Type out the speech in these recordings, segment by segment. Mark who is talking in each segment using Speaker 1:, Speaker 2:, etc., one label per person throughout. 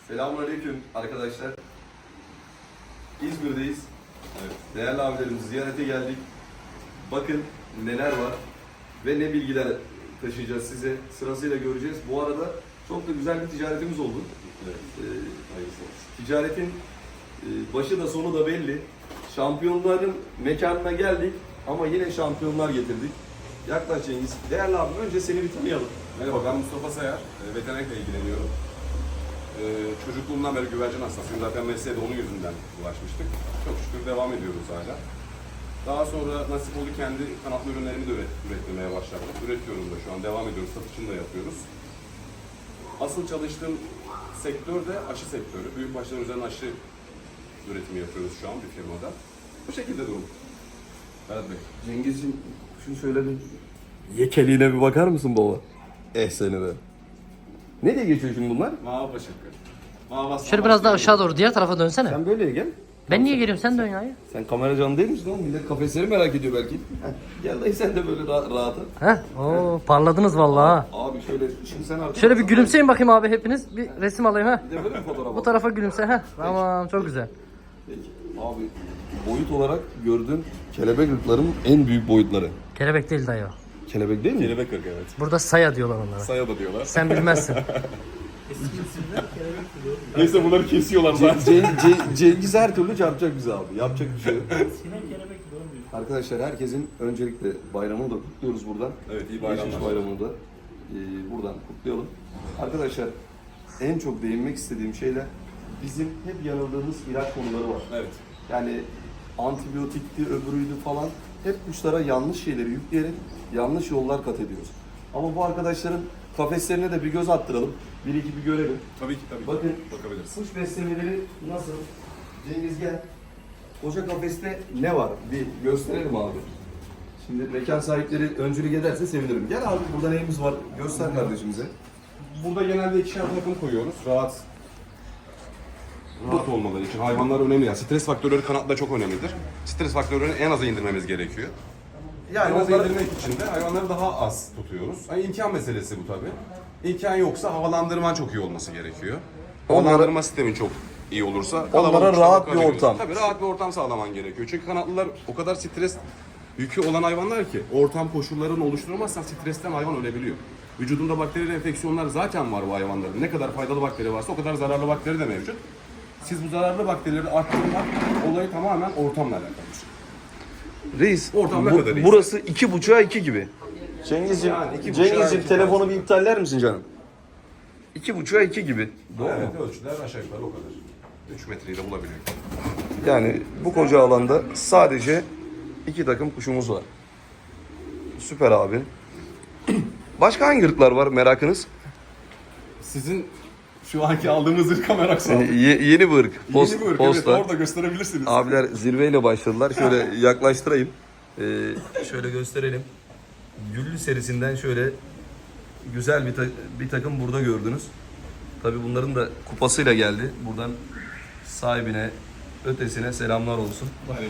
Speaker 1: Selamünaleyküm arkadaşlar. İzmir'deyiz. Evet. Değerli abilerimizi ziyarete geldik. Bakın neler var ve ne bilgiler taşıyacağız size. Sırasıyla göreceğiz. Bu arada çok da güzel bir ticaretimiz oldu. Evet. Ticaretin başı da sonu da belli. Şampiyonların mekanına geldik ama yine şampiyonlar getirdik. Yaklaş Cengiz. Değerli abim, önce seni bir tanıyalım.
Speaker 2: Merhaba, ben Mustafa Sayar. Veterinerlikle ilgileniyorum. Çocukluğumdan beri güvercin hastasıyım. Zaten mesleğe de onun yüzünden ulaşmıştık. Çok şükür devam ediyoruz hala. Daha sonra nasip oldu, kendi kanatlı ürünlerimi de üretmeye başladım. Üretiyorum da şu an, devam ediyoruz. Satışını da yapıyoruz. Asıl çalıştığım sektör de aşı sektörü. Büyükbaşların üzerine aşı üretimi yapıyoruz şu an bir firmada. Bu şekilde durum. Berat Bey.
Speaker 1: Cengizciğim, şunu şöyle bir yekeliğine bir bakar mısın baba? Seni be. Ne diye geçiyor şimdi bunlar?
Speaker 2: Mavi Paşakır.
Speaker 3: Şöyle biraz daha aşağı doğru diğer tarafa dönsene.
Speaker 1: Sen böyle gel.
Speaker 3: Ben niye geliyorum, sen dön ya.
Speaker 1: Sen kamera canlı değil misin oğlum? Millet kafesleri merak ediyor belki. Gel dayı sen de böyle rahat.
Speaker 3: Heh, oo parladınız vallahi ha.
Speaker 1: Abi şöyle, şimdi sen artık...
Speaker 3: Şöyle bir gülümseyin bakayım abi hepiniz. Bir resim alayım ha.
Speaker 1: Bir de böyle bir fotoğraf
Speaker 3: Bu
Speaker 1: al.
Speaker 3: tarafa gülümse ha. Tamam, çok güzel.
Speaker 1: Peki. Abi boyut olarak gördüğün kelebek ırkların en büyük boyutları.
Speaker 3: Kelebek değil dayı o.
Speaker 1: Kelebek değil mi?
Speaker 2: Kelebek ırk, evet.
Speaker 3: Burada saya diyorlar onlara.
Speaker 2: Saya da diyorlar.
Speaker 3: Sen bilmezsin.
Speaker 2: Neyse bunları kesiyorlar zaten.
Speaker 1: Cengiz her türlü çarpacak bizi abi. Yapacak bir şey yok. Arkadaşlar herkesin öncelikle bayramını da kutluyoruz buradan.
Speaker 2: Evet, iyi bayramlar.
Speaker 1: Geçmiş bayramını da buradan kutlayalım. Arkadaşlar en çok değinmek istediğim şeyler bizim hep yanıldığımız ilaç konuları var.
Speaker 2: Evet.
Speaker 1: Yani antibiyotikti, öbürüydü falan. Hep kuşlara yanlış şeyleri yükleyerek yanlış yollar kat ediyoruz. Ama bu arkadaşların kafeslerine de bir göz attıralım. Bir iki bir görelim.
Speaker 2: Tabii ki.
Speaker 1: Bakın
Speaker 2: Bakabiliriz.
Speaker 1: kuş beslemeleri nasıl? Cengiz gel. Koca kafeste ne var? Bir gösterelim abi. Şimdi mekan sahipleri öncülük ederse sevinirim. Gel abi, burada neyimiz var? Göster kardeşimize.
Speaker 2: Burada genelde ikişer takım koyuyoruz. Rahat olmaları için. Hayvanlar önemli. Yani stres faktörleri kanatta çok önemlidir. Stres faktörlerini en aza indirmemiz gerekiyor.
Speaker 1: Yani
Speaker 2: En aza
Speaker 1: onları
Speaker 2: indirmek için de hayvanları daha az tutuyoruz. Yani imkan meselesi bu tabii. İmkan yoksa havalandırman çok iyi olması gerekiyor. Havalandırma sistemin çok iyi olursa kalabalık kuşlar
Speaker 1: rahat bir
Speaker 2: bakabiliyoruz.
Speaker 1: ortam.
Speaker 2: Tabii rahat bir ortam sağlaman gerekiyor. Çünkü kanatlılar o kadar stres yükü olan hayvanlar ki ortam koşullarını oluşturmazsan stresten hayvan ölebiliyor. Vücudunda bakterili enfeksiyonlar zaten var bu hayvanların. Ne kadar faydalı bakteri varsa o kadar zararlı bakteri de mevcut. Siz bu zararlı bakterileri arttırmak olayı tamamen ortamla alakalı bir şey.
Speaker 1: Reis,
Speaker 2: Ortam ne kadar reis?
Speaker 1: burası 2.5'a 2 gibi. Cengizciğim,
Speaker 2: Yani 2.5'a
Speaker 1: Cengizciğim
Speaker 2: 2
Speaker 1: telefonu
Speaker 2: tarzı.
Speaker 1: bir iptaller misin canım? 2.5'a 2 gibi. Doğru mu?
Speaker 2: Evet, ölçüler aşağı yukarı o kadar. 3 metreyi de bulabiliyor.
Speaker 1: Yani bu koca alanda sadece 2 takım kuşumuz var. Süper abi. Başka hangi ırklar var merakınız?
Speaker 2: Sizin şu anki aldığımız ırka merak saldım.
Speaker 1: Yeni bir ırk.
Speaker 2: Yeni bir ırk, evet,
Speaker 1: Posta.
Speaker 2: orada gösterebilirsiniz.
Speaker 1: Abiler zirveyle başladılar. Şöyle yaklaştırayım. Şöyle gösterelim. Güllü serisinden şöyle güzel bir takım burada gördünüz. Tabii bunların da kupasıyla geldi. Buradan sahibine, ötesine selamlar olsun.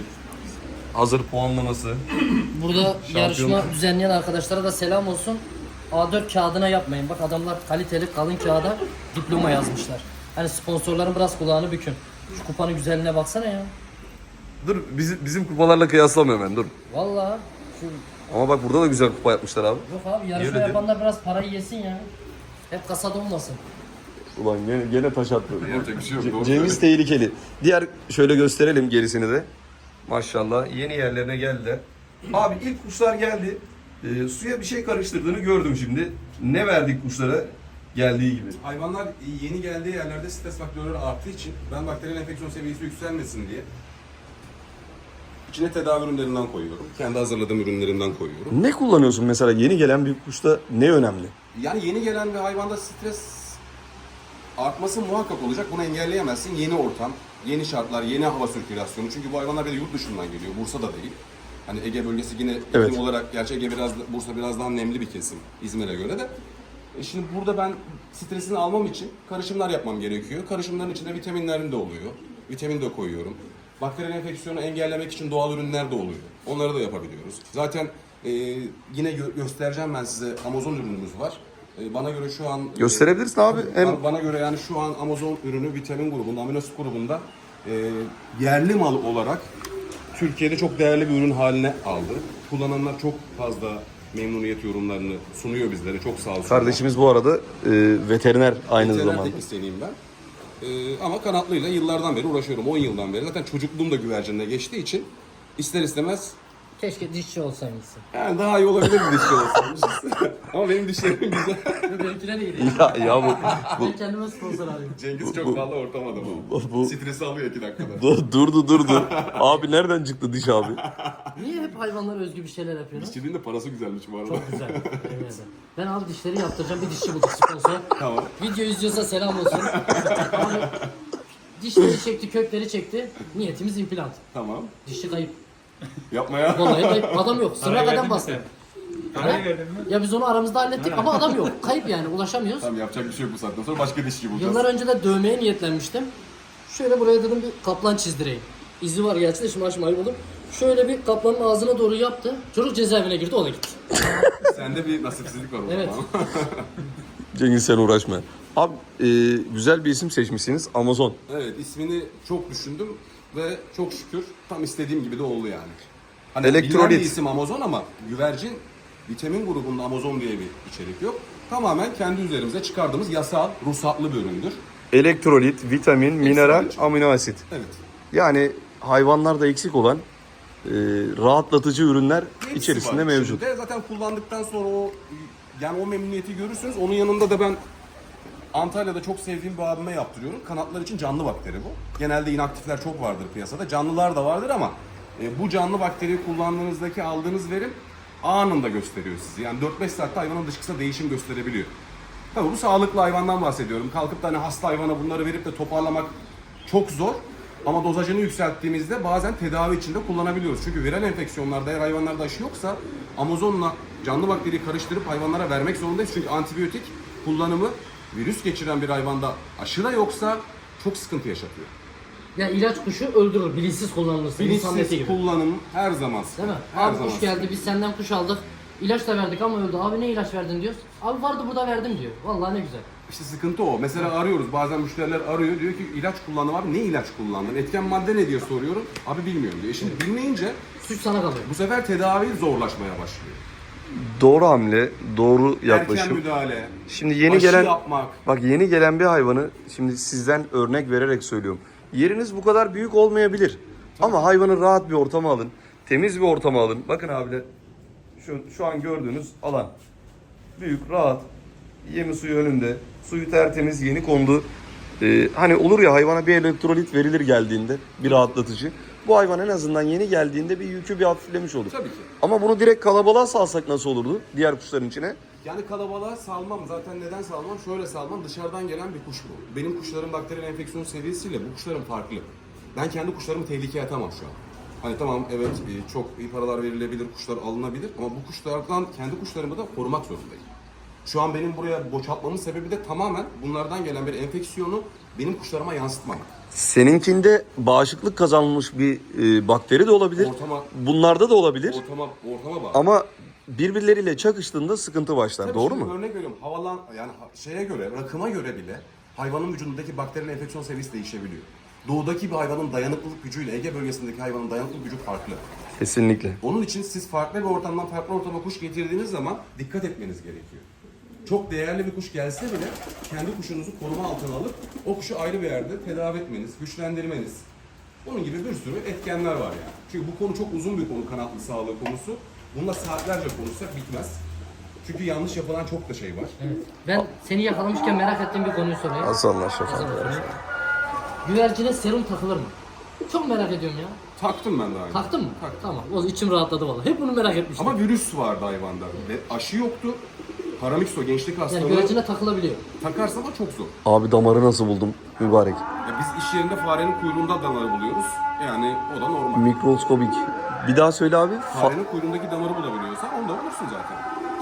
Speaker 1: Hazır puanlaması.
Speaker 3: Burada yarışma düzenleyen arkadaşlara da selam olsun. A4 kağıdına yapmayın. Bak adamlar kaliteli kalın kağıda diploma yazmışlar. Hani sponsorların biraz kulağını bükün. Şu kupanın güzelliğine baksana ya.
Speaker 1: Dur, bizim kupalarla kıyaslamıyorum ben, dur.
Speaker 3: Vallahi şu
Speaker 1: Ama bak burada da güzel kupa yapmışlar abi.
Speaker 3: yok abi, yarışma
Speaker 1: Öyle değil.
Speaker 3: yapanlar biraz parayı yesin ya. Hep kasada olmasın.
Speaker 1: Ulan gene taş attı.
Speaker 2: Yapacak bir şey yok. doğru
Speaker 1: Cengiz tehlikeli. Diğer şöyle gösterelim gerisini de. Maşallah yeni yerlerine geldiler. Abi ilk kuşlar geldi. Suya bir şey karıştırdığını gördüm şimdi. Ne verdik kuşlara geldiği gibi?
Speaker 2: Hayvanlar yeni geldiği yerlerde stres faktörleri arttığı için ben bakteriyel enfeksiyon seviyesi yükselmesin diye içine tedavi ürünlerinden koyuyorum. Kendi hazırladığım ürünlerimden koyuyorum.
Speaker 1: Ne kullanıyorsun mesela yeni gelen bir kuşta, ne önemli?
Speaker 2: Yani yeni gelen bir hayvanda stres artması muhakkak olacak. Bunu engelleyemezsin. Yeni ortam, yeni şartlar, yeni hava sirkülasyonu. Çünkü bu hayvanlar bir de yurt dışından geliyor. Bursa'da değil. Hani Ege bölgesi yine
Speaker 1: Evet.
Speaker 2: iklim olarak, gerçi Ege Bursa biraz daha nemli bir kesim İzmir'e göre de. Şimdi burada ben stresini almam için karışımlar yapmam gerekiyor. Karışımların içinde vitaminlerim de oluyor. Vitamin de koyuyorum. Bakteriyel enfeksiyonu engellemek için doğal ürünler de oluyor. Onları da yapabiliyoruz. Zaten yine göstereceğim ben size, Amazon ürünümüz var. Bana göre şu an...
Speaker 1: Gösterebilirsin abi. Hem
Speaker 2: Bana göre yani şu an Amazon ürünü vitamin grubunda, aminoasit grubunda yerli mal olarak Türkiye'de çok değerli bir ürün haline aldı. Kullananlar çok fazla memnuniyet yorumlarını sunuyor bizlere. Çok sağ olsun.
Speaker 1: kardeşimiz bu arada veteriner aynı
Speaker 2: Veteriner
Speaker 1: zamanda.
Speaker 2: teknisyeniyim ben. Ama kanatlıyla yıllardan beri uğraşıyorum. 10 yıldan beri. Zaten çocukluğum da güvercinle geçtiği için ister istemez
Speaker 3: Keşke dişçi olsaymışsın.
Speaker 2: yani daha iyi olabilir bir dişçi olsaymışız. Ama benim dişlerim güzel.
Speaker 3: Benimkiler iyi.
Speaker 1: Ya bu
Speaker 3: Ben kendime sponsor arıyorum.
Speaker 2: Cengiz çok fazla ortam adamı.
Speaker 1: bu-
Speaker 2: Stresi alıyor 2 dakikada.
Speaker 1: durdu. Abi nereden çıktı diş abi?
Speaker 3: Niye hep hayvanlara özgü bir şeyler yapıyorsun?
Speaker 2: Dişçiliğin de parası güzelmiş bu arada.
Speaker 3: Çok güzel. Yemin ederim. Ben abi dişleri yaptıracağım. Bir dişçi bulduk sponsor.
Speaker 2: Tamam.
Speaker 3: Video izliyorsa selam olsun. Abi, dişleri çekti, kökleri çekti. Niyetimiz implant.
Speaker 2: Tamam.
Speaker 3: Dişçi kayıp.
Speaker 2: Yapma ya.
Speaker 3: Vallahi kayıp. Adam yok. Sıra kadar bastı. Ya biz onu aramızda hallettik ama adam yok. Kayıp yani ulaşamıyoruz.
Speaker 2: Tamam yapacak bir şey yok bu saatten sonra başka dişçi bulacağız.
Speaker 3: Yıllar önce de dövmeye niyetlenmiştim. Şöyle buraya dedim bir kaplan çizdireyim. İzi var gerçi de şimdi açmayı buldum. Şöyle bir kaplanın ağzına doğru yaptı. Çocuk cezaevine girdi, o da gitti.
Speaker 2: Sende bir nasipsizlik var o
Speaker 3: Evet.
Speaker 2: zaman.
Speaker 1: Cengiz sen uğraşma. Abi güzel bir isim seçmişsiniz. Amazon.
Speaker 2: Evet, ismini çok düşündüm ve çok şükür tam istediğim gibi de oldu yani. Hani
Speaker 1: Elektrolit.
Speaker 2: bilinen bir isim Amazon ama güvercin vitamin grubunda Amazon diye bir içerik yok. Tamamen kendi üzerimize çıkardığımız yasal, ruhsatlı bir üründür.
Speaker 1: Elektrolit, vitamin, mineral, amino asit.
Speaker 2: Evet.
Speaker 1: Yani hayvanlarda eksik olan rahatlatıcı ürünler
Speaker 2: Hepsi
Speaker 1: içerisinde
Speaker 2: var
Speaker 1: mevcut.
Speaker 2: içinde. Zaten kullandıktan sonra o memnuniyeti görürsünüz. Onun yanında da ben Antalya'da çok sevdiğim bir abime yaptırıyorum. Kanatlar için canlı bakteri bu. Genelde inaktifler çok vardır piyasada. Canlılar da vardır ama bu canlı bakteriyi kullandığınızdaki aldığınız verim anında gösteriyor sizi. Yani 4-5 saatte hayvanın dışkısında değişim gösterebiliyor. Tabii bu sağlıklı hayvandan bahsediyorum. Kalkıp da hani hasta hayvana bunları verip de toparlamak çok zor. Ama dozajını yükselttiğimizde bazen tedavi içinde kullanabiliyoruz. Çünkü viral enfeksiyonlarda eğer hayvanlarda aşı yoksa Amazon'la canlı bakteriyi karıştırıp hayvanlara vermek zorundayız. Çünkü antibiyotik kullanımı virüs geçiren bir hayvanda aşı da yoksa çok sıkıntı yaşatıyor.
Speaker 3: Ya ilaç kuşu öldürür, bilinçsiz kullanılırsa. İnsan eti
Speaker 2: Bilinçsiz
Speaker 3: gibi.
Speaker 2: kullanım her zaman
Speaker 3: Değil
Speaker 2: sıkıntı.
Speaker 3: mi?
Speaker 2: Her
Speaker 3: Abi
Speaker 2: zaman
Speaker 3: kuş geldi, biz senden kuş aldık. İlaç da verdik ama öldü. Abi ne ilaç verdin diyoruz. Abi vardı burada verdim diyor. Vallahi ne güzel.
Speaker 2: İşte sıkıntı o. Mesela arıyoruz. Bazen müşteriler arıyor. Diyor ki ilaç kullandım abi. Ne ilaç kullandın? Etken madde ne diye soruyorum. Abi bilmiyorum diyor. Şimdi bilmeyince
Speaker 3: Suç sana kalıyor.
Speaker 2: bu sefer tedavi zorlaşmaya başlıyor.
Speaker 1: Doğru hamle, doğru
Speaker 2: Erken
Speaker 1: yaklaşım.
Speaker 2: müdahale,
Speaker 1: Şimdi yeni
Speaker 2: aşı
Speaker 1: gelen
Speaker 2: yapmak.
Speaker 1: bak yeni gelen bir hayvanı şimdi sizden örnek vererek söylüyorum. Yeriniz bu kadar büyük olmayabilir. Ama hayvanı rahat bir ortama alın. Temiz bir ortama alın. Bakın abiler şu an gördüğünüz alan. Büyük, rahat. Yemi suyu önünde. Suyu tertemiz, yeni kondu. Hani olur ya hayvana bir elektrolit verilir geldiğinde bir rahatlatıcı. Bu hayvan en azından yeni geldiğinde bir yükü bir hafiflemiş olur.
Speaker 2: Tabii ki.
Speaker 1: Ama bunu direkt kalabalığa salsak nasıl olurdu diğer kuşların içine?
Speaker 2: Yani kalabalığa salmam. Zaten neden salmam? Şöyle salmam. Dışarıdan gelen bir kuş bu. Benim kuşların bakteriyel enfeksiyon seviyesiyle bu kuşların farklı. Ben kendi kuşlarımı tehlikeye atamam şu an. Hani tamam evet çok iyi paralar verilebilir, kuşlar alınabilir ama bu kuşlardan kendi kuşlarımı da korumak zorundayım. Şu an benim buraya boşaltmamın sebebi de tamamen bunlardan gelen bir enfeksiyonu benim kuşlarıma yansıtmam.
Speaker 1: Seninkinde bağışıklık kazanmış bir bakteri de olabilir. Bunlarda da olabilir.
Speaker 2: Ortama bağlı.
Speaker 1: Ama birbirleriyle çakıştığında sıkıntı başlar.
Speaker 2: Tabii
Speaker 1: Doğru
Speaker 2: şimdi
Speaker 1: mu?
Speaker 2: Örnek veriyorum. Şeye göre, rakıma göre bile hayvanın vücudundaki bakterinin enfeksiyon seviyesi değişebiliyor. Doğudaki bir hayvanın dayanıklılık gücüyle Ege bölgesindeki hayvanın dayanıklılık gücü farklı.
Speaker 1: Kesinlikle.
Speaker 2: Onun için siz farklı bir ortamdan farklı ortama kuş getirdiğiniz zaman dikkat etmeniz gerekiyor. Çok değerli bir kuş gelse bile kendi kuşunuzu koruma altına alıp o kuşu ayrı bir yerde tedavi etmeniz, güçlendirmeniz. Bunun gibi bir sürü etkenler var yani. Çünkü bu konu çok uzun bir konu, kanatlı sağlığı konusu. Bununla saatlerce konuşsak bitmez. Çünkü yanlış yapılan çok da şey var.
Speaker 3: Evet. Ben seni yakalamışken merak ettiğim bir konuyu sorayım.
Speaker 1: Hasanlar şafak.
Speaker 3: Güvercine serum takılır mı? Çok merak ediyorum ya.
Speaker 2: Taktım ben daha önce.
Speaker 3: Taktın mı?
Speaker 2: Taktım.
Speaker 3: Tamam. O içim rahatladı vallahi. Hep bunu merak etmiştim.
Speaker 2: Ama virüs vardı hayvanda ve aşı yoktu. Paramikso gençlik
Speaker 3: yani
Speaker 2: hastalığı
Speaker 3: güvercine takılabiliyor.
Speaker 2: takarsan ama çok zor.
Speaker 1: Abi damarı nasıl buldum mübarek?
Speaker 2: Ya biz iş yerinde farenin kuyruğunda damarı buluyoruz. Yani o da normal.
Speaker 1: Mikroskobik. Bir daha söyle abi.
Speaker 2: Farenin kuyruğundaki damarı bulabiliyorsan onu da bulursun zaten.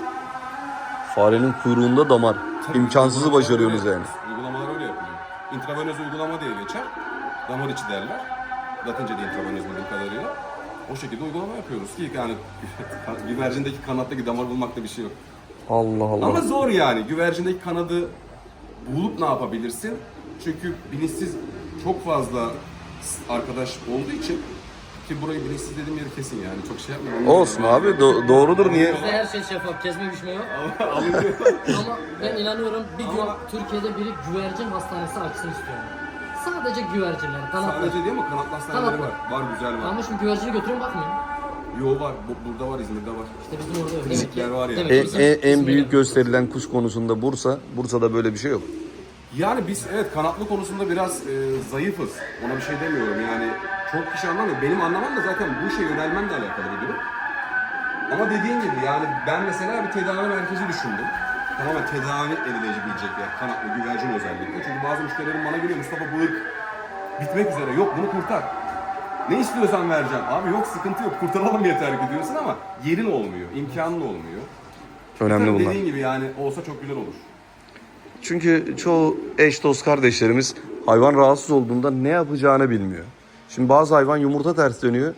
Speaker 1: Farenin kuyruğunda damar.
Speaker 2: Tabii,
Speaker 1: İmkansızı
Speaker 2: uygulamalar
Speaker 1: başarıyorsunuz
Speaker 2: öyle
Speaker 1: yani.
Speaker 2: yapıyoruz. Uygulamalar öyle yapılıyor. İntravenöz uygulama diye geçer. Damar içi derler. Latince de intravenöz bildiğim kadarıyla. O şekilde uygulama yapıyoruz ki yani güvercindeki kanattaki damar bulmakta bir şey yok.
Speaker 1: Allah Allah.
Speaker 2: Ama zor yani. Güvercindeki kanadı bulup ne yapabilirsin? Çünkü bilinçsiz çok fazla arkadaş olduğu için, ki burayı bilinçsiz dediğim yeri kesin yani. Çok şey yapmıyorum.
Speaker 1: Olsun abi, doğrudur, niye?
Speaker 3: Bizde her şey şeffaf, kesme biçme yok. Ama ben inanıyorum bir gün Türkiye'de biri güvercin hastanesi açsın istiyorum. Sadece güvercinler, kanatlı.
Speaker 2: Sadece değil mi? Kanatlı hastaneleri var. Var, güzel var.
Speaker 3: Ama şimdi güvercini götürün bakmayın.
Speaker 2: Yo var. Burada var, İzmir'de var.
Speaker 3: İşte bizim orada öyle.
Speaker 2: Bizimkiler var ya.
Speaker 3: Demek ki bizim-
Speaker 1: En büyük gösterilen kuş konusunda Bursa. Bursa'da böyle bir şey yok.
Speaker 2: Yani biz evet kanatlı konusunda biraz zayıfız. Ona bir şey demiyorum yani. Çok kişi anlamıyor. Benim anlamam da zaten bu işe yönelmemle alakalı bir durum. Ama dediğin gibi yani ben mesela bir tedavi merkezi düşündüm. Tamamen tedavi edilebilecek yer. Kanatlı güvercin özellikle. Çünkü bazı müşterilerim bana geliyor, Mustafa bu ırk bitmek üzere. Yok bunu kurtar. Ne istiyorsan vereceğim. Abi yok, sıkıntı yok. Kurtaralım yeter ki diyorsun ama yerin olmuyor. İmkanın olmuyor.
Speaker 1: Önemli
Speaker 2: Tabii
Speaker 1: bunlar.
Speaker 2: dediğin gibi yani olsa çok güzel olur.
Speaker 1: Çünkü çoğu eş dost kardeşlerimiz hayvan rahatsız olduğunda ne yapacağını bilmiyor. Şimdi bazı hayvan yumurta ters dönüyor.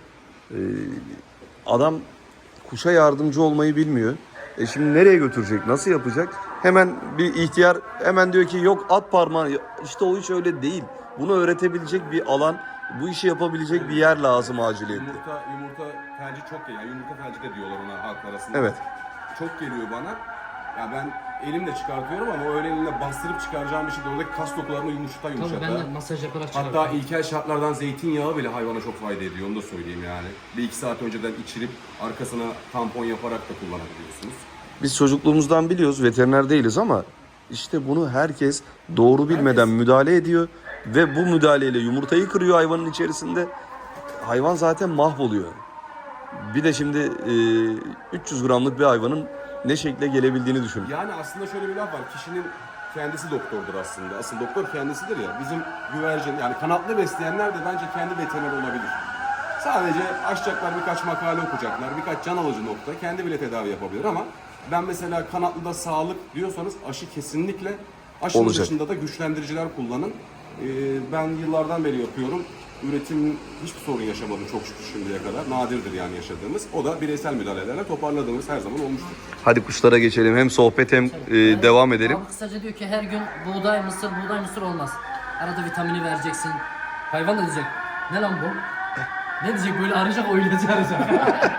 Speaker 1: Adam kuşa yardımcı olmayı bilmiyor. Şimdi nereye götürecek? Nasıl yapacak? Hemen bir ihtiyar hemen diyor ki yok at parmağı. İşte o iş öyle değil. Bunu öğretebilecek bir alan, bu işi yapabilecek bir yer lazım aciliyetle.
Speaker 2: Yumurta felci çok geliyor. Yani yumurta felci de diyorlar ona halk arasında.
Speaker 1: Evet.
Speaker 2: Çok geliyor bana. Ya ben elimle çıkartıyorum ama öyle elimle bastırıp çıkaracağım bir şey değil. Oradaki kas dokularını yumuşata
Speaker 3: Tabii
Speaker 2: yumuşata.
Speaker 3: ben de masaj yaparak çıkardım.
Speaker 2: Hatta ilkel şartlardan zeytinyağı bile hayvana çok fayda ediyor. Onu da söyleyeyim yani. Bir iki saat önceden içirip arkasına tampon yaparak da kullanabiliyorsunuz.
Speaker 1: Biz çocukluğumuzdan biliyoruz, veteriner değiliz ama işte bunu herkes doğru bilmeden müdahale ediyor ve bu müdahaleyle yumurtayı kırıyor hayvanın içerisinde. Hayvan zaten mahvoluyor. Bir de şimdi 300 gramlık bir hayvanın ne şekle gelebildiğini düşün.
Speaker 2: Yani aslında şöyle bir laf var. Kişinin kendisi doktordur aslında. Asıl doktor kendisidir ya. Bizim güvercin yani kanatlı besleyenler de bence kendi veteriner olabilir. Sadece açacaklar, birkaç makale okuyacaklar, birkaç can alıcı nokta. Kendi bile tedavi yapabilir ama ben mesela kanatlıda sağlık diyorsanız aşı kesinlikle, aşının
Speaker 1: Olacak.
Speaker 2: dışında da güçlendiriciler kullanın. Ben yıllardan beri yapıyorum. Üretim hiçbir sorun yaşamadım çok şükür şimdiye kadar. Nadirdir yani yaşadığımız. O da bireysel müdahalelerle toparladığımız her zaman olmuştur.
Speaker 1: Hadi kuşlara geçelim. Hem sohbet hem devam edelim.
Speaker 3: Abi kısaca diyor ki her gün buğday mısır olmaz. Arada vitamini vereceksin. Hayvan da diyecek. Ne lan bu? Ne diyecek böyle arayacak o ilacı arayacak.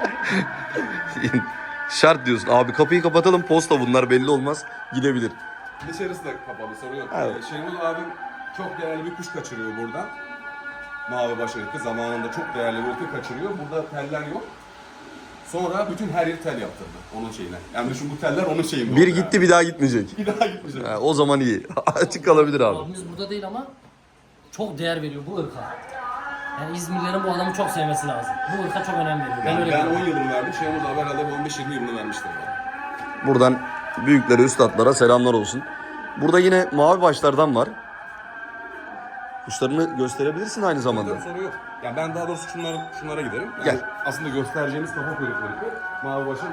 Speaker 1: Şart diyorsun. Abi kapıyı kapatalım, posta bunlar belli olmaz. Gidebilir.
Speaker 2: Dışarısı da kapalı, sorun yok.
Speaker 1: Evet.
Speaker 2: Şenol abim çok değerli bir kuş kaçırıyor buradan. Mavi baş ırkı zamanında çok değerli bir ırkı kaçırıyor. Burada teller yok. Sonra bütün her yeri tel yaptırdı onun şeyine. Yani düşün bu teller onun şeyinde.
Speaker 1: Bir
Speaker 2: oldu
Speaker 1: gitti bir daha gitmeyecek.
Speaker 2: yani. Bir daha gitmeyecek.
Speaker 1: Ha, o zaman iyi. Açık kalabilir abi.
Speaker 3: Abimiz burada değil ama çok değer veriyor bu ırka. Yani İzmirlilerin bu adamı çok sevmesi lazım. Bu ırka çok önem veriyor. Ben öyle
Speaker 2: Ben
Speaker 3: görüyorum.
Speaker 2: 10 yılını verdim. Şenol abi herhalde 15-20 yılını vermiştir. Yani.
Speaker 1: Buradan büyüklere, üstadlara selamlar olsun. Burada yine mavi başlardan var. Kuşlarını gösterebilirsin aynı zamanda.
Speaker 2: Tabii sorun yok. Yani ben daha doğrusu şunlara giderim. Yani
Speaker 1: Gel.
Speaker 2: aslında göstereceğimiz kafa kuyrukları. Mavi başın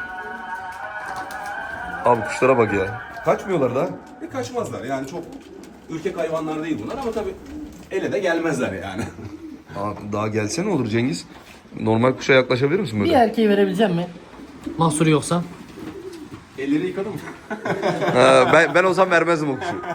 Speaker 1: Abi kuşlara bak ya. Kaçmıyorlar da.
Speaker 2: kaçmazlar. Yani çok ürkek hayvanlar değil bunlar ama tabii ele de gelmezler yani.
Speaker 1: Aa, daha gelsene olur Cengiz. Normal kuşa yaklaşabilir misin
Speaker 3: Bir
Speaker 1: böyle?
Speaker 3: erkeği verebilecek mi? Mahsuru yoksa.
Speaker 2: Elleri yıkadım mı?
Speaker 1: Ha, ben o zaman vermezdim o kuşu.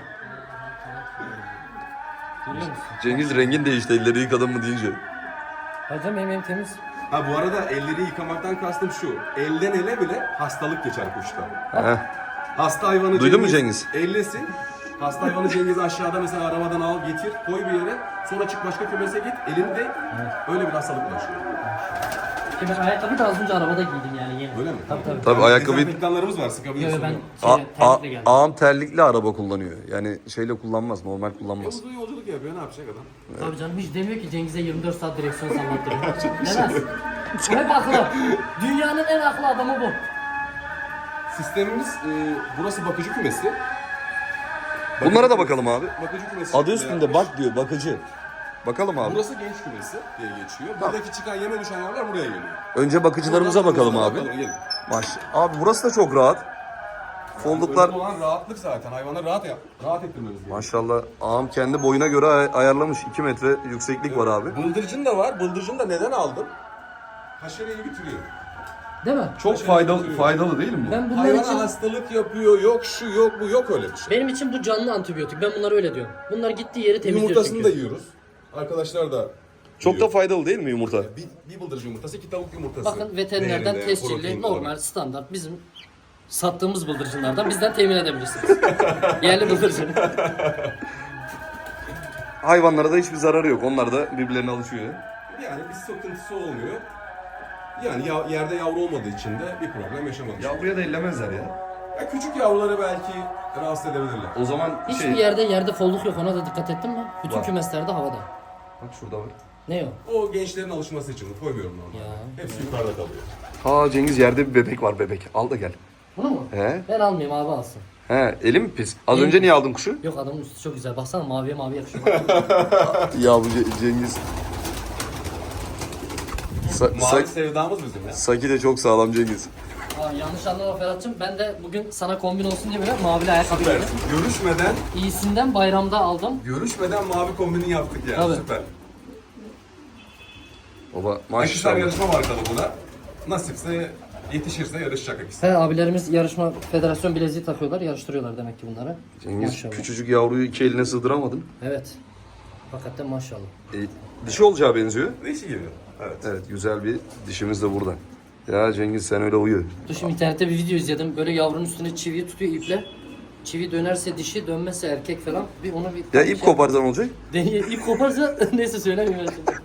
Speaker 3: Görüyor musun?
Speaker 1: Cengiz rengin değişti elleri yıkadın mı deyince.
Speaker 3: Hocam benim temiz.
Speaker 2: Ha bu arada elleri yıkamaktan kastım şu. Elden ele bile hastalık geçer kuşta.
Speaker 1: Heh.
Speaker 2: Hasta hayvanı
Speaker 1: Duydun mu Cengiz?
Speaker 2: Ellesin. Hasta hayvanı Cengiz aşağıda mesela arabadan al getir, koy bir yere. Sonra çık başka kümese git, elini de öyle bir hastalık bulaşıyor.
Speaker 3: Ki ben ayakkabıyı da az önce arabada giydim yani yeni.
Speaker 2: Öyle mi?
Speaker 3: Tabii.
Speaker 1: Tabii ayakkabıyı...
Speaker 2: Dezenfektanlarımız var, sıkabiliyorsun.
Speaker 3: Yo, ben
Speaker 1: A-
Speaker 3: terlikle geldim.
Speaker 1: ağam terlikli araba kullanıyor. Yani şeyle kullanmaz, normal kullanmaz.
Speaker 2: Uzun yolculuk yapıyor, ne yapacak adam?
Speaker 3: Tabii canım hiç demiyor ki Cengiz'e 24 saat direksiyon sallattırıyor. Demez. Hep aklı. Dünyanın en aklı adamı bu.
Speaker 2: Sistemimiz, burası bakıcı kümesi.
Speaker 1: Bunlara da bakalım abi.
Speaker 2: Bakıcı kümesi.
Speaker 1: Adı üstünde bak diyor, bakıcı. Bakalım abi.
Speaker 2: Burası genç kümesi diye geçiyor. Buradaki çıkan yeme düşen yavrular buraya geliyor.
Speaker 1: Önce bakıcılarımıza bakalım abi.
Speaker 2: Gelin.
Speaker 1: Abi burası da çok rahat. Folduklar
Speaker 2: Önemli olan rahatlık zaten. Hayvanı rahat ettirmemiz gerekiyor.
Speaker 1: maşallah ağam kendi boyuna göre ayarlamış. 2 metre yükseklik var abi.
Speaker 2: Bıldırcın da var. Bıldırcın da neden aldım? Haşereyi bitiriyor.
Speaker 3: Değil mi?
Speaker 1: Çok faydalı değil mi bu?
Speaker 3: Ben bunlar
Speaker 2: Hayvana
Speaker 3: için
Speaker 2: hastalık yapıyor, yok şu yok bu yok öyle bir şey.
Speaker 3: benim için bu canlı antibiyotik. Ben bunları öyle diyorum. Bunlar gittiği yeri temizliyor
Speaker 2: Yumurtasını
Speaker 3: çünkü.
Speaker 2: da yiyoruz. Arkadaşlar da
Speaker 1: Çok da
Speaker 2: yiyor.
Speaker 1: faydalı değil mi yumurta?
Speaker 2: Bir bıldırcın yumurtası, iki tavuk yumurtası.
Speaker 3: Bakın veterinerden
Speaker 2: Değerinde,
Speaker 3: tescilli,
Speaker 2: protein
Speaker 3: normal,
Speaker 2: olarak.
Speaker 3: standart bizim sattığımız bıldırcınlardan bizden temin edebilirsiniz. Yerli bıldırcın.
Speaker 1: Hayvanlara da hiçbir zararı yok. Onlar da birbirlerine alışıyor.
Speaker 2: Yani bir sıkıntısı olmuyor. Yani yerde yavru olmadığı için de bir problem yaşamamış.
Speaker 1: Yavruya da ellemezler ya.
Speaker 2: Ya küçük yavruları belki rahatsız edebilirler.
Speaker 1: O zaman
Speaker 3: Hiçbir yerde folluk yok, ona da dikkat ettin mi? Bütün
Speaker 1: Var.
Speaker 3: kümeslerde havada.
Speaker 1: Bak şurada var.
Speaker 3: Ne o?
Speaker 2: O gençlerin alışması için koymuyorum normalde.
Speaker 3: Ya.
Speaker 2: Hepsi yukarıda kalıyor.
Speaker 1: Ha Cengiz, yerde bir bebek var, bebek. Al da gel.
Speaker 3: Bunu mu?
Speaker 1: He?
Speaker 3: Ben almayayım, abi alsın.
Speaker 1: He, eli mi pis? Az
Speaker 3: Elim
Speaker 1: önce
Speaker 3: pis.
Speaker 1: niye aldın kuşu?
Speaker 3: Yok, adamın üstü çok güzel. Baksana, maviye mavi yakışıyor.
Speaker 1: Ya bu Cengiz.
Speaker 2: Mavi sevdamız bizim ya.
Speaker 1: Saki de çok sağlam Cengiz.
Speaker 3: Aa, yanlış anlama Ferhat'cığım. Ben de bugün sana kombin olsun diye böyle mavili ayakkabı giydim.
Speaker 2: Görüşmeden
Speaker 3: İyisinden bayramda aldım.
Speaker 2: mavi kombini yaptık yani.
Speaker 3: Tabii.
Speaker 2: Süper.
Speaker 1: Baba
Speaker 2: Akisar
Speaker 1: maşallah.
Speaker 2: yarışma markalı bu da. Nasipse yetişirse yarışacak Akisar.
Speaker 3: He, abilerimiz yarışma federasyon bileziği takıyorlar, yarıştırıyorlar demek ki bunları.
Speaker 1: Cengiz
Speaker 3: Maşallah.
Speaker 1: küçücük yavruyu iki eline sığdıramadın.
Speaker 3: Evet. Hakikaten maşallah.
Speaker 1: Dişi olacağı benziyor.
Speaker 2: Değişik gibi. Evet.
Speaker 1: Evet, güzel bir dişimiz de burada. Ya Cengiz sen öyle uyu.
Speaker 3: Dur, şimdi internette bir video izledim. Böyle yavrunun üstüne çiviyi tutuyor iple. Çivi dönerse dişi, dönmezse erkek falan. Bir onu bir
Speaker 1: Ya ip koparsan olacak.
Speaker 3: Deneye, ip koparsa neyse söylemiyorum şimdi.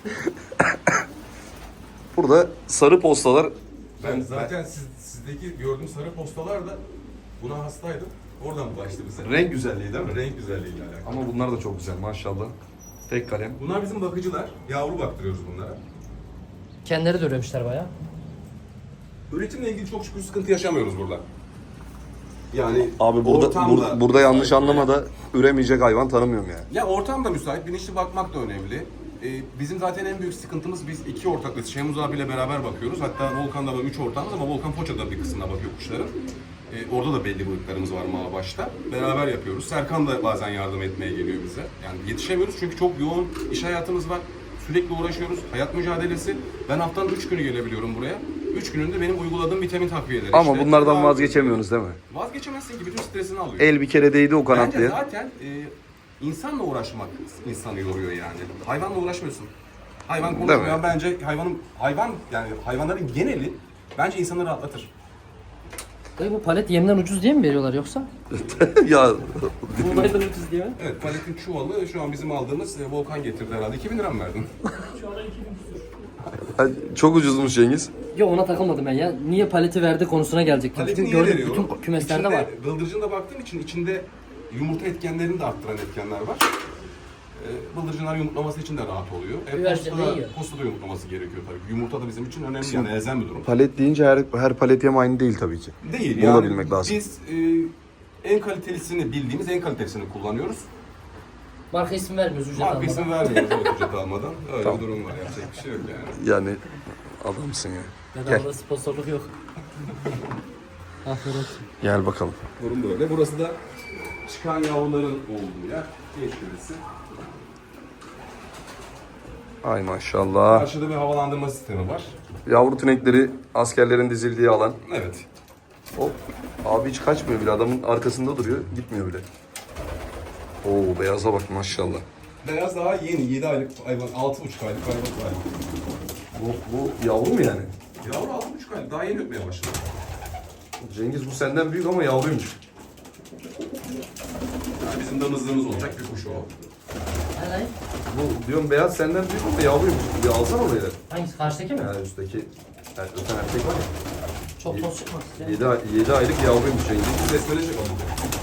Speaker 1: Burada sarı postalar.
Speaker 2: Ben zaten sizdeki gördüğüm sarı postalar da buna hastaydım. Oradan bulaştı bize.
Speaker 1: Renk güzelliği değil mi?
Speaker 2: Renk güzelliğiyle alakalı.
Speaker 1: Ama bunlar da çok güzel maşallah. Tek kalem.
Speaker 2: Bunlar bizim bakıcılar. Yavru baktırıyoruz bunlara.
Speaker 3: Kendileri de üremişler bayağı.
Speaker 2: Üretimle ilgili çok şükür sıkıntı yaşamıyoruz burada. Yani
Speaker 1: Abi burada
Speaker 2: ortamda
Speaker 1: burada yanlış
Speaker 2: müsait
Speaker 1: anlama da üremeyecek hayvan tanımıyorum yani.
Speaker 2: Ya ortam da müsait, bilinçli bakmak da önemli. Bizim zaten en büyük sıkıntımız, biz iki ortaklık, Şemuz abiyle beraber bakıyoruz. Hatta Volkan'da var 3 ortağımız ama Volkan Foça'da bir kısmına bakıyor kuşların. Orada da belli boyutlarımız var başta. Beraber yapıyoruz. Serkan da bazen yardım etmeye geliyor bize. Yani yetişemiyoruz çünkü çok yoğun iş hayatımız var. Sürekli uğraşıyoruz. Hayat mücadelesi. Ben haftanın 3 günü gelebiliyorum buraya. 3 gününde benim uyguladığım vitamin takviyeleri.
Speaker 1: Ama
Speaker 2: İşte
Speaker 1: bunlardan
Speaker 2: tedavi-
Speaker 1: vazgeçemiyorsunuz değil mi?
Speaker 2: Vazgeçemezsin ki, bütün stresini alıyor.
Speaker 1: El bir kere değdi o
Speaker 2: Bence
Speaker 1: kanatlıya.
Speaker 2: zaten insanla uğraşmak insanı yoruyor yani. Hayvanla uğraşmıyorsun. Hayvan
Speaker 1: Değil
Speaker 2: konuşmuyor.
Speaker 1: mi?
Speaker 2: Bence hayvanların geneli bence insanı rahatlatır.
Speaker 3: Dayı, bu palet yemden ucuz diye mi veriyorlar yoksa?
Speaker 1: Ya
Speaker 3: Buğdaydan ucuz diye mi?
Speaker 2: Evet, paletin çuvalı şu an bizim aldığımız Volkan getirdi herhalde. 2000 lira mı verdin?
Speaker 1: çok ucuzmuş Cengiz.
Speaker 3: Yok, ona takılmadım ben ya. Niye paleti verdi konusuna gelecektim.
Speaker 2: Paleti
Speaker 3: Çünkü
Speaker 2: niye
Speaker 3: gördüm
Speaker 2: veriyorum?
Speaker 3: bütün kümeslerde
Speaker 2: İçinde,
Speaker 3: var.
Speaker 2: Bıldırcında baktığım için içinde yumurta etkenlerini de arttıran etkenler var. Bıldırcınlar yumurtlaması için de rahat oluyor.
Speaker 3: Güvercin ne yiyor?
Speaker 2: Posta da yumurtlaması gerekiyor tabii. Yumurta da bizim için önemli, yani elzem bir durum.
Speaker 1: Palet deyince her palet yem aynı değil tabii ki.
Speaker 2: Değil
Speaker 1: Bunu
Speaker 2: yani.
Speaker 1: da bilmek lazım.
Speaker 2: Biz en kalitelisini bildiğimiz en kalitesini kullanıyoruz.
Speaker 3: Marka ismi vermiyoruz ücret
Speaker 2: Marka
Speaker 3: almadan.
Speaker 2: isim vermiyoruz o ücret almadan. Öyle
Speaker 1: Tamam.
Speaker 2: bir durum var, yapacak bir şey yok yani.
Speaker 1: Yani adamsın ya.
Speaker 3: Bedavada sponsorluk yok. Aferin olsun.
Speaker 1: Gel bakalım.
Speaker 2: Durum böyle. Burası da çıkan yavruların olduğu yer. Geçmesi.
Speaker 1: Ay maşallah.
Speaker 2: Karşıda bir havalandırma sistemi var.
Speaker 1: Yavru tünekleri askerlerin dizildiği alan.
Speaker 2: Evet.
Speaker 1: Hop. Abi hiç kaçmıyor bile. Adamın arkasında duruyor. Gitmiyor bile. Oo, beyaza bak maşallah.
Speaker 2: Beyaz daha yeni, 7 aylık hayvan, 6,5 aylık hayvan.
Speaker 1: Bu yavru mu yani?
Speaker 2: Yavru 6,5 aylık, daha yeni öpmeye başladı.
Speaker 1: Cengiz bu senden büyük ama yavruymuş.
Speaker 2: Yani bizim damızlığımız olacak bir kuş o.
Speaker 3: Helal.
Speaker 1: Bu diyorum beyaz senden büyük ama yavruymuş. Bir alsana oraya.
Speaker 3: Hangisi? Karşıdaki mi?
Speaker 1: Yani üstteki öten erkek var ya.
Speaker 3: Çok toz çıkmaz. Ya.
Speaker 1: 7 aylık yavruymuş Cengiz.
Speaker 2: Besmele çek onu.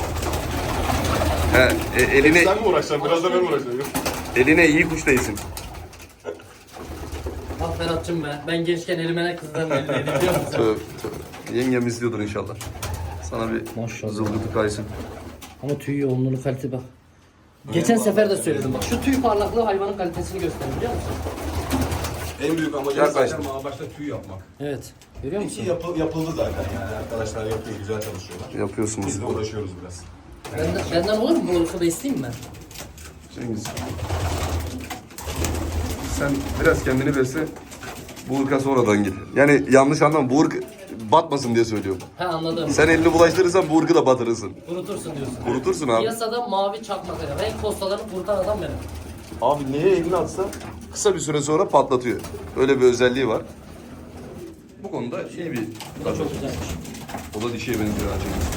Speaker 1: He, eline
Speaker 2: Sen mi uğraşacaksın? Biraz da ben uğraşacağım.
Speaker 1: eline iyi kuş değsin.
Speaker 3: Bak Ferhat'cığım be. Ben gençken elime ne kızlarım eldeydi biliyor musun?
Speaker 1: Tövbe. Yengem izliyordur inşallah. Sana bir
Speaker 3: Maşallah.
Speaker 1: zılgıtı kaysın.
Speaker 3: Ama tüy yoğunluğunu, kalite bak. Geçen sefer de söyledim bak. Şu tüy parlaklığı hayvanın kalitesini gösterir biliyor musun?
Speaker 2: En büyük amacımız
Speaker 1: Yaklaştım.
Speaker 2: zaten başta tüy yapmak.
Speaker 3: Evet. Görüyor musun?
Speaker 2: Ki yapıldı zaten yani. Arkadaşlar yapıyor, güzel çalışıyorlar.
Speaker 1: Yapıyorsunuz.
Speaker 2: Biz de uğraşıyoruz biraz.
Speaker 3: Benden olur mu? Bu olursa da isteyeyim mi ben?
Speaker 1: Cengiz. Sen biraz kendini verse Bu ırka sonradan gir. Yani yanlış anlama, bu ırk batmasın diye söylüyorum.
Speaker 3: He anladım.
Speaker 1: Sen elini bulaştırırsan bu ırkı da batırırsın.
Speaker 3: Kurutursun diyorsun.
Speaker 1: Kurutursun abi.
Speaker 3: Piyasada mavi çakmak ya. Renk postalarını kurutan adam benim.
Speaker 1: Abi neye elini atsa kısa bir süre sonra patlatıyor. Öyle bir özelliği var. Bu konuda iyi bir
Speaker 3: Bu da çok güzelmiş.
Speaker 1: O da dişiye benziyor acaba.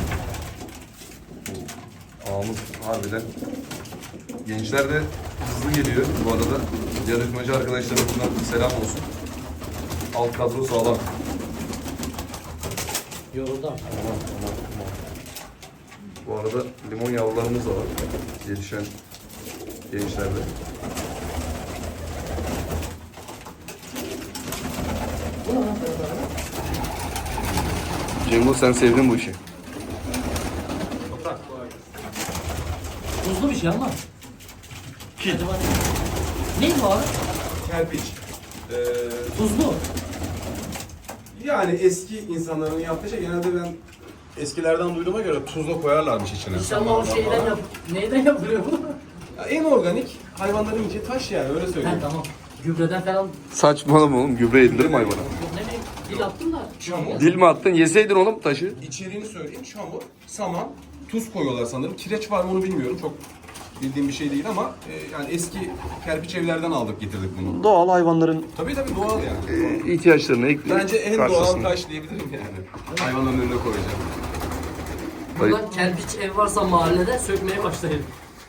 Speaker 1: Ağımız harbiden. Gençler de hızlı geliyor bu arada. Yarışmacı arkadaşlarımızdan selam olsun. Alt kadro sağlam.
Speaker 3: Yoruldu ama.
Speaker 1: Bu arada limon yavrularımız da var. Gelişen gençlerde. Cengo sen sevdin bu işi.
Speaker 3: Tuzlu bir şey ama.
Speaker 1: Kil.
Speaker 3: Acaba ne? Neydi o abi?
Speaker 2: Kerpiç.
Speaker 3: Tuzlu.
Speaker 2: Yani eski insanların yaptığı şey genelde ben eskilerden duyduğuma göre tuzla koyarlarmış içine.
Speaker 3: İnşallah o şeyden neyden yapılıyor bu?
Speaker 2: Ya en organik hayvanların yiyeceği taş yani öyle
Speaker 3: He
Speaker 2: söyleyeyim.
Speaker 3: tamam. Gübreden falan.
Speaker 1: Saçmalama oğlum, gübre yedirir mi hayvana?
Speaker 3: Ne bileyim dil attım da.
Speaker 2: Çamur.
Speaker 1: Dil mi attın? Yeseydin oğlum taşı.
Speaker 2: İçeriğini söyleyeyim. Çamur, saman, tuz koyuyorlar sanırım. Kireç var mı onu bilmiyorum. Çok bildiğim bir şey değil ama yani eski kerpiç evlerden aldık getirdik bunu.
Speaker 1: Doğal hayvanların
Speaker 2: Tabii doğal yani.
Speaker 1: ihtiyaçlarını ekleyip
Speaker 2: Bence en doğal
Speaker 1: karşısında.
Speaker 2: taş diyebilirim yani. Hayvanların önüne koyacağım.
Speaker 3: Buradan kerpiç ev varsa mahallede sökmeye başlayın.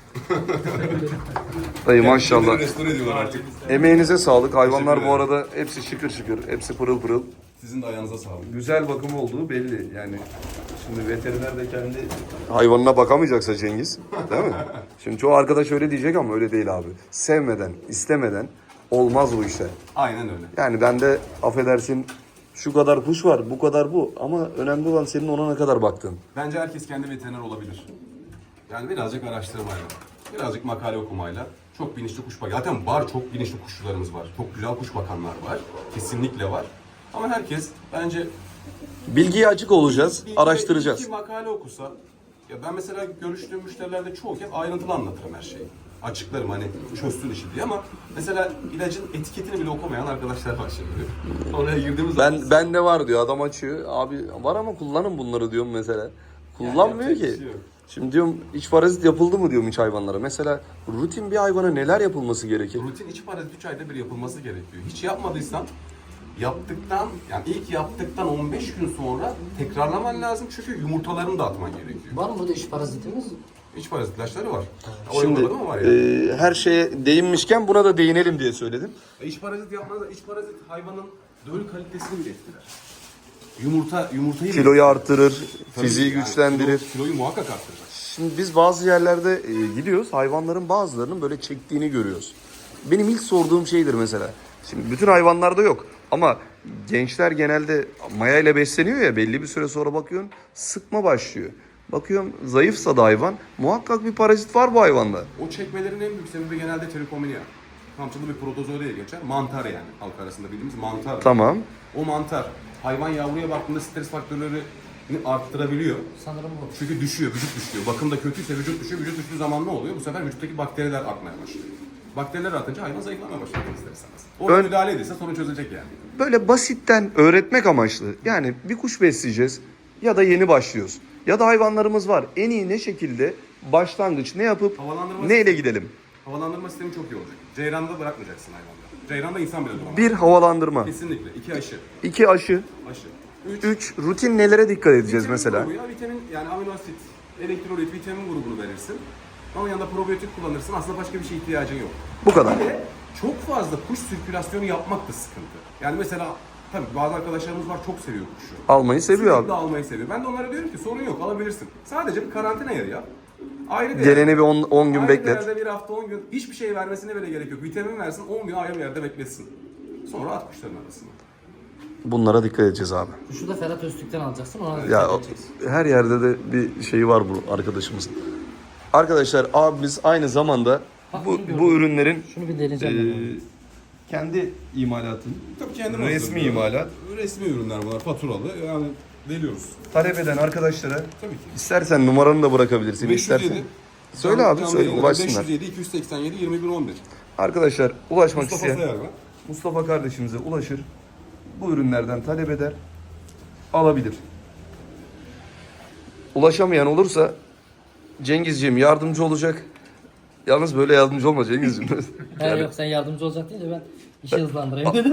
Speaker 1: Dayı maşallah.
Speaker 2: Restore ediyorlar artık.
Speaker 1: Emeğinize sağlık. Hayvanlar
Speaker 2: Teşekkür
Speaker 1: bu arada hepsi şıkır şıkır. Hepsi pırıl pırıl.
Speaker 2: Sizin de ayağınıza sağlık.
Speaker 1: Güzel bakım olduğu belli. Yani şimdi veteriner de kendi hayvanına bakamayacaksa Cengiz, değil mi? Şimdi çoğu arkadaş öyle diyecek ama öyle değil abi. Sevmeden, istemeden olmaz bu işler.
Speaker 2: Aynen öyle.
Speaker 1: Yani bende affedersin şu kadar kuş var, bu kadar bu. Ama önemli olan senin ona ne kadar baktığın.
Speaker 2: Bence herkes kendi veteriner olabilir. Yani birazcık araştırmayla, birazcık makale okumayla çok bilinçli kuş bakıyor. Zaten var, çok bilinçli kuşçularımız var. Çok güzel kuş bakanlar var. Kesinlikle var. Ama herkes bence
Speaker 1: Bilgiye açık olacağız,
Speaker 2: bir
Speaker 1: araştıracağız.
Speaker 2: iki makale okusa, ya ben mesela görüştüğüm müşterilerde çoğu kez ayrıntılı anlatırım her şeyi. Açıklarım hani çözsün işi diye ama mesela ilacın etiketini bile okumayan arkadaşlar var şimdi. Oraya girdiğimiz zaman...
Speaker 1: Ben de var diyor, adam açıyor. Abi var ama kullanın bunları diyorum mesela. Kullanmıyor
Speaker 2: yapacak bir
Speaker 1: ki.
Speaker 2: şey yok.
Speaker 1: Şimdi diyorum iç parazit yapıldı mı diyorum hiç hayvanlara. Mesela rutin bir hayvana neler yapılması gerekir?
Speaker 2: Rutin içi parazit 3 ayda bir yapılması gerekiyor. Hiç yapmadıysan ilk yaptıktan 15 gün sonra tekrarlaman lazım çünkü yumurtalarını da atman gerekiyor.
Speaker 3: Var mı burada iş parazitimiz?
Speaker 2: İç parazit ilaçları var.
Speaker 1: Şimdi
Speaker 2: Şimdi var ya.
Speaker 1: her şeye değinmişken buna da değinelim diye söyledim.
Speaker 2: İç parazit yapmaz da iç parazit hayvanın döl kalitesini bile etkiler. Yumurtayı
Speaker 1: Kiloyu artırır,
Speaker 2: Tabii
Speaker 1: fiziği
Speaker 2: yani
Speaker 1: güçlendirir.
Speaker 2: Kiloyu muhakkak arttırır.
Speaker 1: Şimdi biz bazı yerlerde gidiyoruz, hayvanların bazılarının böyle çektiğini görüyoruz. Benim ilk sorduğum şeydir mesela. Şimdi bütün hayvanlarda yok ama gençler genelde maya ile besleniyor ya, belli bir süre sonra bakıyorsun sıkma başlıyor. Bakıyorum zayıfsa da hayvan, muhakkak bir parazit var bu hayvanda.
Speaker 2: O çekmelerin en büyük sebebi genelde trikomania. Kamçılı bir protozoa diye geçer. Mantar yani halk arasında bildiğimiz mantar.
Speaker 1: Tamam.
Speaker 2: O mantar hayvan yavruya baktığında stres faktörlerini arttırabiliyor.
Speaker 3: Sanırım bu.
Speaker 2: Çünkü vücut düşüyor. Bakım da kötüyse vücut düşüyor. Vücut düştüğü zaman ne oluyor? Bu sefer vücuttaki bakteriler artmaya başlıyor. Bakteriler artınca hayvan zayıflamaya başlıyor ister istemez. Orada müdahale edilse sorun çözecek yani.
Speaker 1: Böyle basitten öğretmek amaçlı. Yani bir kuş besleyeceğiz ya da yeni başlıyoruz. Ya da hayvanlarımız var. En iyi ne şekilde başlangıç ne yapıp
Speaker 2: Havalandırma
Speaker 1: neyle gidelim?
Speaker 2: Havalandırma sistemi çok iyi olacak. Ceyranda bırakmayacaksın hayvanları. Ceyranda insan bile duramaz.
Speaker 1: Bir havalandırma,
Speaker 2: Kesinlikle. 2 aşı.
Speaker 1: 2 aşı,
Speaker 2: Aşı. 3
Speaker 1: 3 rutin nelere dikkat edeceğiz mesela?
Speaker 2: Vitamin yani amino asit, elektrolit, vitamin grubunu verirsin. Ama yanında probiyotik kullanırsın. Aslında başka bir şeye ihtiyacın yok.
Speaker 1: Bu kadar.
Speaker 2: Ve çok fazla kuş sirkülasyonu yapmak da sıkıntı. Yani mesela tabii bazı arkadaşlarımız var çok seviyor kuşu.
Speaker 1: Almayı seviyor
Speaker 2: Sürekli
Speaker 1: abi.
Speaker 2: almayı seviyor. Ben de onlara diyorum ki sorun yok alabilirsin. Sadece bir karantina yeri yap. Ayrı bir
Speaker 1: Geleni bir 10 gün
Speaker 2: ayrı
Speaker 1: beklet.
Speaker 2: bir yerde bir hafta 10 gün hiçbir şey vermesine bile gerek yok. Vitamin versin 10 gün ayrı bir yerde beklesin. Sonra at kuşların arasına.
Speaker 1: Bunlara dikkat edeceğiz abi.
Speaker 3: Şu da Ferhat Öztürk'ten alacaksın. Ona
Speaker 1: Ya
Speaker 3: dikkat edeceksin.
Speaker 1: her yerde de bir şeyi var bu arkadaşımızın. Arkadaşlar abimiz aynı zamanda
Speaker 3: Bak,
Speaker 1: bu,
Speaker 3: bunu gördüm.
Speaker 1: bu ürünlerin
Speaker 3: Şunu bir deneyeceğim.
Speaker 1: kendi imalatını,
Speaker 2: Tabii kendim
Speaker 1: resmi
Speaker 2: hazırlıyorum.
Speaker 1: imalat,
Speaker 2: Resmi ürünler bunlar faturalı yani deliyoruz.
Speaker 1: talep eden arkadaşlara
Speaker 2: Tabii ki.
Speaker 1: istersen numaranı da bırakabilirsin. istersen. Söyle abi, söyle,
Speaker 2: yayınlar,
Speaker 1: ulaşsınlar.
Speaker 2: 507 287 2111.
Speaker 1: Arkadaşlar ulaşmak
Speaker 2: Mustafa
Speaker 1: isteyen
Speaker 2: Sayar ben.
Speaker 1: Mustafa kardeşimize ulaşır. bu ürünlerden talep eder, alabilir. Ulaşamayan olursa Cengizciğim yardımcı olacak. Yalnız böyle yardımcı olma Cengizciğim.
Speaker 3: He yok sen yardımcı olacak değil de ben işi hızlandırayım dedim.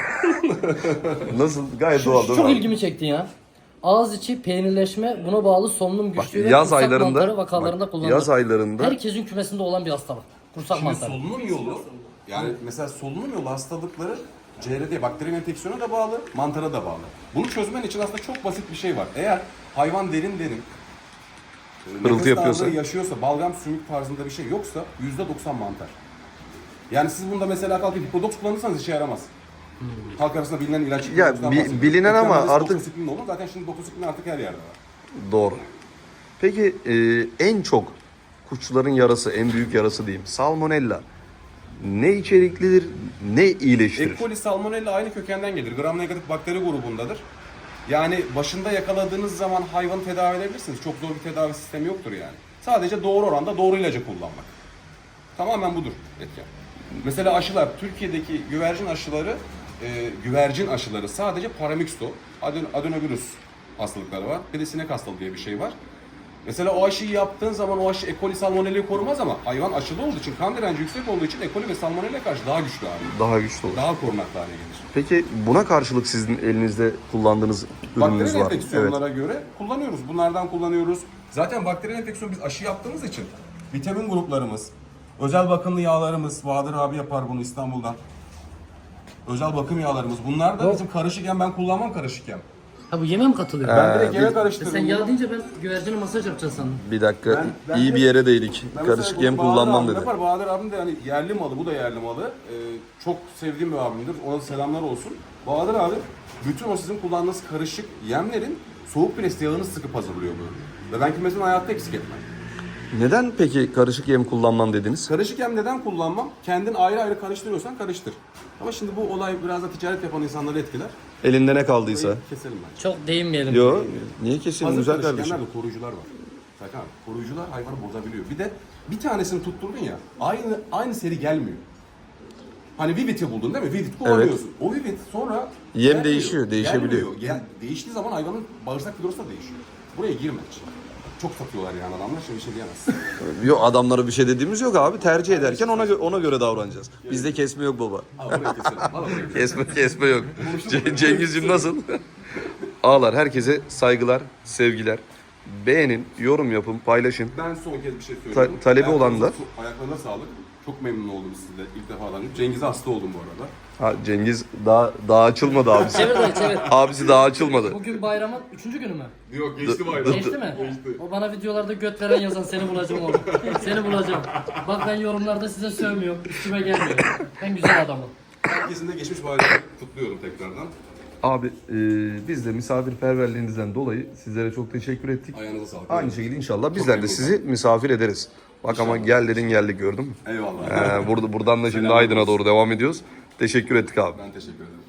Speaker 1: Nasıl? Gayet doğal değil mi
Speaker 3: Çok
Speaker 1: abi?
Speaker 3: ilgimi çekti ya. Ağız içi peynirleşme, buna bağlı solunum
Speaker 1: Bak,
Speaker 3: güçlüğü ve
Speaker 1: yaz
Speaker 3: kursak
Speaker 1: aylarında,
Speaker 3: mantarı vakalarında
Speaker 1: bak,
Speaker 3: kullanılır.
Speaker 1: yaz aylarında
Speaker 3: Herkesin kümesinde olan bir hastalık. Kursak
Speaker 2: Şimdi
Speaker 3: mantarı.
Speaker 2: solunum yolu, yani mesela solunum yolu hastalıkları CRD, bakteri enfeksiyona da bağlı, mantara da bağlı. Bunu çözmen için aslında çok basit bir şey var. Eğer hayvan derin
Speaker 1: Hırıltı
Speaker 2: nefes
Speaker 1: yapıyorsa?
Speaker 2: darlığı yaşıyorsa, balgam sümük tarzında bir şey yoksa %90 mantar. Yani siz bunda mesela kalkıp hipodoks kullanırsanız işe yaramaz. Halk arasında bilinen ilaç.
Speaker 1: Ya,
Speaker 2: hipodokstan bahsediyorum.
Speaker 1: bilinen ama
Speaker 2: Ekranlarda
Speaker 1: artık-
Speaker 2: doksisiklin olur. Zaten şimdi doksisiklin artık her yerde var.
Speaker 1: doğru. Peki en çok kuşçuların yarası, en büyük yarası diyeyim. Salmonella. Ne içeriklidir, ne iyileştirir?
Speaker 2: E. coli, salmonella aynı kökenden gelir. Gram negatif bakteri grubundadır. Yani başında yakaladığınız zaman hayvanı tedavi edebilirsiniz. Çok zor bir tedavi sistemi yoktur yani. Sadece doğru oranda doğru ilacı kullanmak. Tamamen budur etken. Mesela aşılar, Türkiye'deki güvercin aşıları sadece paramyxto, adenovirüs hastalıkları var. Bir de sinek hastalığı diye bir şey var. Mesela o aşıyı yaptığın zaman o aşı E. coli, salmonella'yı korumaz ama hayvan aşılı olduğu için, kan direnci yüksek olduğu için E. coli ve salmonella'ya karşı daha güçlü hale gelir.
Speaker 1: Daha güçlü olur.
Speaker 2: Daha korunaklı hale gelir.
Speaker 1: Peki buna karşılık sizin elinizde kullandığınız ürününüz
Speaker 2: Bakteri
Speaker 1: var mı? Evet.
Speaker 2: enfeksiyonlara göre kullanıyoruz. Bunlardan kullanıyoruz. Zaten bakteri enfeksiyonu biz aşı yaptığımız için vitamin gruplarımız, özel bakımlı yağlarımız, Bahadır abi yapar bunu İstanbul'dan. Özel bakım yağlarımız. Bunlar da bizim karışık yem. Ben kullanmam karışık yem.
Speaker 3: Ha bu yeme mi katılıyor?
Speaker 2: Ben direkt yeme
Speaker 3: E
Speaker 2: karıştırırım.
Speaker 3: sen yağ deyince ben güvercine masaj yapacağım sandım.
Speaker 1: Bir dakika,
Speaker 2: Ben
Speaker 1: iyi
Speaker 2: de-
Speaker 1: bir yere değdik.
Speaker 2: Ben
Speaker 1: Karışık
Speaker 2: mesela
Speaker 1: yem
Speaker 2: bunu Bahadır
Speaker 1: kullanmam
Speaker 2: abim
Speaker 1: dedi.
Speaker 2: Yapar. Bahadır abim de yani yerli malı, bu da yerli malı. Çok sevdiğim bir abimdir. Ona da selamlar olsun. Bahadır abi bütün o sizin kullandığınız karışık yemlerin soğuk preste yağını sıkıp hazırlıyor bu. Ve ben kümesini hayatta eksik etmem.
Speaker 1: Neden peki karışık yem kullanmam dediniz?
Speaker 2: Karışık yem neden kullanmam? Kendin ayrı ayrı karıştırıyorsan karıştır. Ama şimdi bu olay biraz da ticaret yapan insanları etkiler.
Speaker 1: Elinde ne kaldıysa.
Speaker 2: Burayı keselim bence.
Speaker 3: Çok değinmeyelim.
Speaker 1: Yo, niye kesin
Speaker 2: Hazır
Speaker 1: güzel
Speaker 2: karışık
Speaker 1: kardeşim?
Speaker 2: yemlerde koruyucular var. Sakın abi, koruyucular hayvanı bozabiliyor. Bir de bir tanesini tutturdun ya, aynı seri gelmiyor. Hani Vivid'i buldun değil mi? Vivid kullanıyorsun. O Vivid sonra
Speaker 1: Yem
Speaker 2: gelmiyor,
Speaker 1: değişiyor, değişebiliyor.
Speaker 2: gelmiyor. Değiştiği zaman hayvanın bağırsak florası da değişiyor. Buraya girme. Çok satıyorlar yani adamlar, şimdi bir şey diyemezsin.
Speaker 1: Yok, adamlara bir şey dediğimiz yok abi. Tercih ederken ona göre davranacağız. Bizde kesme yok baba.
Speaker 2: Al buraya keselim. Al buraya.
Speaker 1: Kesme yok. Cengizciğim nasıl? Ağlar, herkese saygılar, sevgiler. Beğenin, yorum yapın, paylaşın.
Speaker 2: Ben son kez bir şey söyleyeyim.
Speaker 1: Talebi olanlar.
Speaker 2: Ayaklarına sağlık. Çok memnun oldum sizle ilk defadan. Cengiz'e hasta oldum bu arada.
Speaker 1: Ha, Cengiz daha açılmadı abisi.
Speaker 3: Çevir dayı çevir.
Speaker 1: Abisi daha açılmadı.
Speaker 3: Bugün bayramın 3. günü mü?
Speaker 2: Yok geçti bayram.
Speaker 3: Geçti mi? O bana videolarda göt veren yazan seni bulacağım oğlum. Seni bulacağım. Bak ben yorumlarda size sövmüyorum. Üstüme gelmiyor. Ben güzel adamım.
Speaker 2: Herkesin de geçmiş bayramı kutluyorum tekrardan.
Speaker 1: Abi biz de misafirperverliğinizden dolayı sizlere çok teşekkür ettik.
Speaker 2: Ayağınıza sağlık.
Speaker 1: Aynı şekilde inşallah bizler de
Speaker 2: memnun
Speaker 1: sizi misafir ederiz. Bak ama gel dedin geldik gördün mü?
Speaker 2: Eyvallah.
Speaker 1: Buradan da şimdi Aydın'a doğru devam ediyoruz. Teşekkür ettik abi.
Speaker 2: Ben teşekkür ederim.